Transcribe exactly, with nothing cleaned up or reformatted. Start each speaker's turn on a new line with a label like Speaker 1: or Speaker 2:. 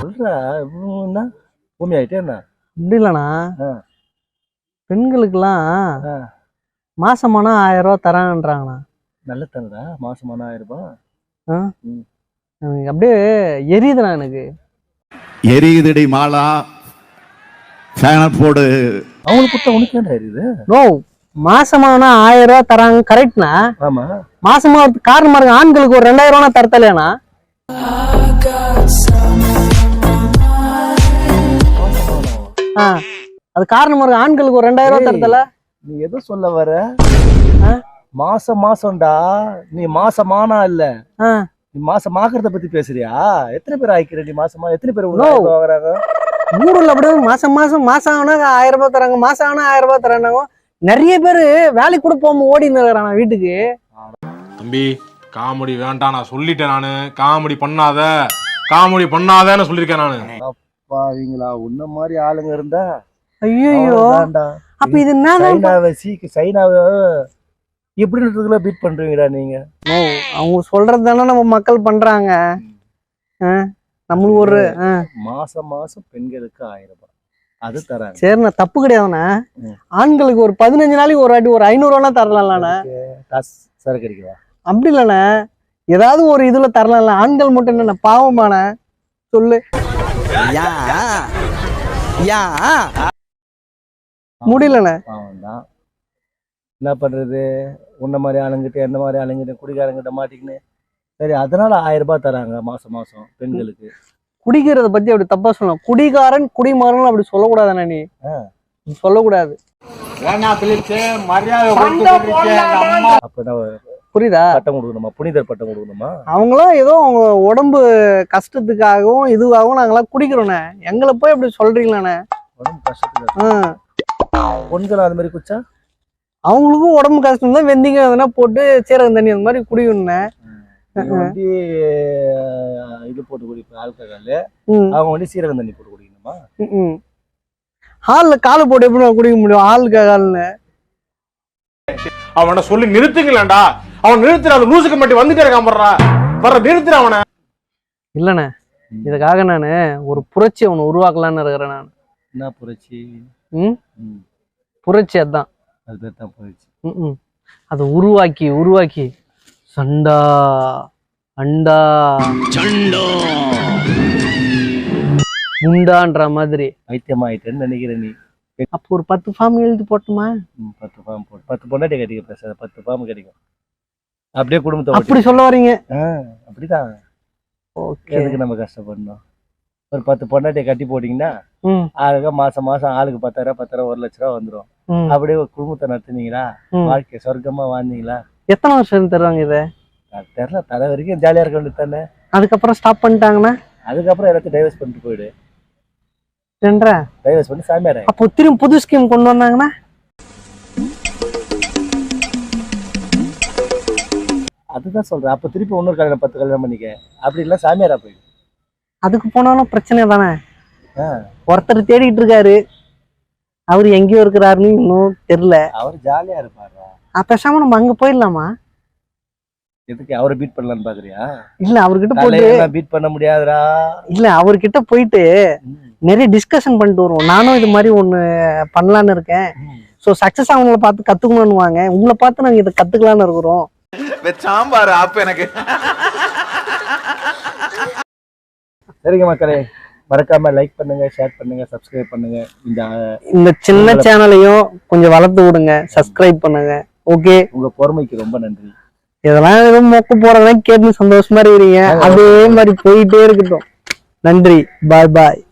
Speaker 1: சொல்றா என்ன பூமி ஆயிட்டே என்ன
Speaker 2: இப்படி இல்லண்ணா பெண்களுக்கெல்லாம் மாசமானா ஆயிரம் ரூபாய் தராங்கன்றாங்கண்ணா.
Speaker 1: நல்ல தரடா மாசமான ஆயிரம் ரூபாய்.
Speaker 2: அப்படியே எரியுதுண்ணா எனக்கு.
Speaker 3: எரியுதுடி மாலா ஃபேன போடு.
Speaker 1: அவங்களுக்கு கொடுத்தா உனக்கு ஏன்டா எரியுது?
Speaker 2: நோ மாசமானா ஆயிரம் ரூபாய் தராங்க கரெக்ட்னா.
Speaker 1: ஆமா
Speaker 2: மாசமா காரணமா இருக்கு ஆண்களுக்கு ஒரு ரெண்டாயிரம் ரூபாய் தரத்தலையாண்ணா. அது காரணமா இருக்கு ஆண்களுக்கு ஒரு ரெண்டாயிரம் ரூபாய் தரத்தல.
Speaker 1: நீ எதோ சொல்ல வர? மாசம் மாசம்டா நீ மாசமானா இல்ல நீ மாசம் ஆக்குறத பத்தி பேசுறியா? எத்தனை பேர் ஆயிக்கிற நீ மாசமா? எத்தனை பேர் வாங்குறாங்க
Speaker 2: ஊருல? அப்படியே மாசம் மாசம் மாசம் ஆனா ஆயிரம் ரூபாய் தராங்க, மாசம் ஆனா ஆயிரம் ரூபாய் தராங்க. நிறைய பேரு வேலைக்கு கூட போகாம ஓடி இருக்கிறாங்க வீட்டுக்கு.
Speaker 4: தம்பி காமெடி வேண்டாம் நான் சொல்லிட்டேன். நானு காமெடி பண்ணாத காமெடி பண்ணாதன்னு சொல்லிருக்கேன் நானு.
Speaker 1: பாவீங்களா உன்ன மாதிரி ஆளுங்க இருந்தா
Speaker 2: ஐயோ அப்ப இது என்ன
Speaker 1: சீக்கு சைனாவை எப்படின்றதுக்குள்ள பீட் பண்றீங்கடா நீங்க?
Speaker 2: அவங்க சொல்றது தானே நம்ம மக்கள் பண்றாங்க. நம்மளுக்கு ஒரு
Speaker 1: மாசம் மாசம் பெண்களுக்கு ஆயிரம் ரூபாய் அது தராங்க.
Speaker 2: சரிண்ணா தப்பு கிடையாதுண்ணா. ஆண்களுக்கு ஒரு பதினஞ்சு நாளைக்கு ஒரு வாட்டி ஒரு ஐநூறு ரூபா தரலாம்லண்ணா.
Speaker 1: சரக்கு அடிக்கவா? அப்படி
Speaker 2: இல்லண்ணா ஏதாவது ஒரு இதுல தரலாம்ல. ஆண்கள் மட்டும் என்னண்ணா பாவமான சொல்லு. முடியலண்ணே.
Speaker 1: பாவம்தான் என்ன பண்றது? உன்ன மாதிரி ஆளுங்கிட்ட எந்த மாதிரி ஆளுங்கிட்ட குடிகாரங்கிட்ட மாட்டிக்கின்னு சரி அதனால ஆயிரம் ரூபாய் தராங்க மாசம் மாசம் பெண்களுக்கு.
Speaker 2: குடிக்கிறத பத்தி அப்படி தப்பா சொல்லலாம். குடிகாரன் குடிமாறன் அப்படி சொல்லக்கூடாதுண்ணா. நீ சொல்லக்கூடாது. புரியுதா?
Speaker 1: பட்டம் கொடுக்கணுமா? புனிதர் பட்டம் கொடுக்கணுமா?
Speaker 2: அவங்களாம் ஏதோ அவங்க உடம்பு கஷ்டத்துக்காகவும் இதுவாகவும் நாங்களாம் குடிக்கிறோண்ணே. எங்களை போய் அப்படி சொல்றீங்களாண்ணே?
Speaker 1: உடம்பு கஷ்டத்துக்கு பொண்கள் அது மாதிரி குச்சா
Speaker 2: அவங்களுக்கும் உடம்பு கஷ்டம் தான். வெந்தீங்க எதனா போட்டு சீரகம் தண்ணி அந்த மாதிரி குடிக்கணும்னே.
Speaker 1: வந்து இது போட்டு குடிப்பேன் ஆல்கஹால். அவங்க வந்து சீரகம் தண்ணி போட்டு குடிக்கணுமா?
Speaker 2: ஹால்ல காலை போட்டு எப்படி குடிக்க முடியும் ஆல்கஹால்னு?
Speaker 4: அவனை சொல்லி நிறுத்துங்களேன்டா. அவன் நிறுத்துற அந்த லூசுக்கு மட்டும் வந்துட்டே இருக்கான். பண்றா வர்ற நிறுத்துற அவனை.
Speaker 2: இல்லண்ணே இதுக்காக நானு ஒரு புரட்சி அவனை உருவாக்கலான்னு இருக்கிறேன். நான்
Speaker 1: என்ன புரட்சி?
Speaker 2: ம் புரட்சி அதான்
Speaker 1: அது பேர் தான் புரட்சி.
Speaker 2: ம் அதை உருவாக்கி உருவாக்கி சண்டா அண்டா சண்டா முண்டான்ற மாதிரி
Speaker 1: வைத்தியமாயிட்டேன்னு நினைக்கிறேன் நீ.
Speaker 2: அப்போ ஒரு பத்து ஃபார்ம் எழுதி போட்டுமா?
Speaker 1: பத்து ஃபார்ம் போட்டு பத்து பொண்டாட்டி கட்டிக்க பேச பத்து ஃபார்ம் கிடைக்கும். அப்படியே குடும்பத்தை
Speaker 2: அப்படி சொல்ல வரீங்க?
Speaker 1: அப்படிதான். எதுக்கு நம்ம கஷ்டப்படணும்? ஒரு பத்து பொண்டாட்டியை கட்டி போட்டீங்கன்னா ஆளுக்கு மாசம் மாசம் ஆளுக்கு பத்தாயிரம் பத்தாயிரம் ஒரு லட்ச ரூபா வந்துடும். அப்படியே ஒரு குடும்பத்தை நடத்துனீங்களா? வாழ்க்கை சொர்க்கமா வாழ்ந்தீங்களா?
Speaker 2: எத்தனை வருஷம் தருவாங்க இதை?
Speaker 1: தெரியல. தலை வரைக்கும் ஜாலியா இருக்க வேண்டியது தானே.
Speaker 2: அதுக்கப்புறம் ஸ்டாப் பண்ணிட்டாங்கன்னா
Speaker 1: அதுக்கப்புறம் எல்லாத்தையும் டைவர்ஸ் பண்ணிட்டு போயிடு. டைவர்ஸ் பண்ணி சாமியார.
Speaker 2: அப்போ திரும்ப புது ஸ்கீம் கொண்டு வந்தாங்கன்னா
Speaker 1: அதுதான் சொல்றேன். அப்ப திருப்பி இன்னொரு கல்யாணம் பத்து கல்யாணம் பண்ணிக்க. அப்படி இல்ல சாமியாரா போயிடு.
Speaker 2: அதுக்கு போனாலும் பிரச்சனை தானே. ஒருத்தர் தேடிட்டு இருக்காரு. அவரு எங்கேயோ இருக்கிறாருன்னு இன்னும் தெரியல.
Speaker 1: அவர் ஜாலியா இருப்பாரு.
Speaker 2: பேசாம நம்ம அங்க போயிடலாமா?
Speaker 1: எதுக்கு அவரை பீட் பண்ணலான்னு பாக்குறியா?
Speaker 2: இல்ல அவர்கிட்ட போயிட்டு
Speaker 1: பீட் பண்ண முடியாதுடா.
Speaker 2: இல்ல அவர்கிட்ட போயிட்டு நிறைய டிஸ்கஷன் பண்ணிட்டு வருவோம். நானும் இது மாதிரி ஒண்ணு பண்ணலான்னு இருக்கேன். சோ சக்சஸ் அவங்கள பார்த்து கத்துக்கணும்னு வாங்க. உங்களை பார்த்து நாங்க இதை கத்துக்கலான்னு இருக்கிறோம்.
Speaker 3: சாம்பார் அப்ப எனக்கு.
Speaker 1: சரிங்க மக்களே, மறக்காம லைக் பண்ணுங்க, ஷேர் பண்ணுங்க, சப்ஸ்கிரைப் பண்ணுங்க. இந்த
Speaker 2: இந்த சின்ன சேனலையும் கொஞ்சம் வளர்த்து விடுங்க, சப்ஸ்கிரைப் பண்ணுங்க. ஓகே,
Speaker 1: உங்க பொறுமைக்கு ரொம்ப நன்றி.
Speaker 2: இதெல்லாம் எதுவும் மொக்க போறதெல்லாம் கேட்டு சந்தோஷமா இருக்கிறீங்க. அதே மாதிரி போயிட்டே இருக்கட்டும். நன்றி. பாய் பாய்.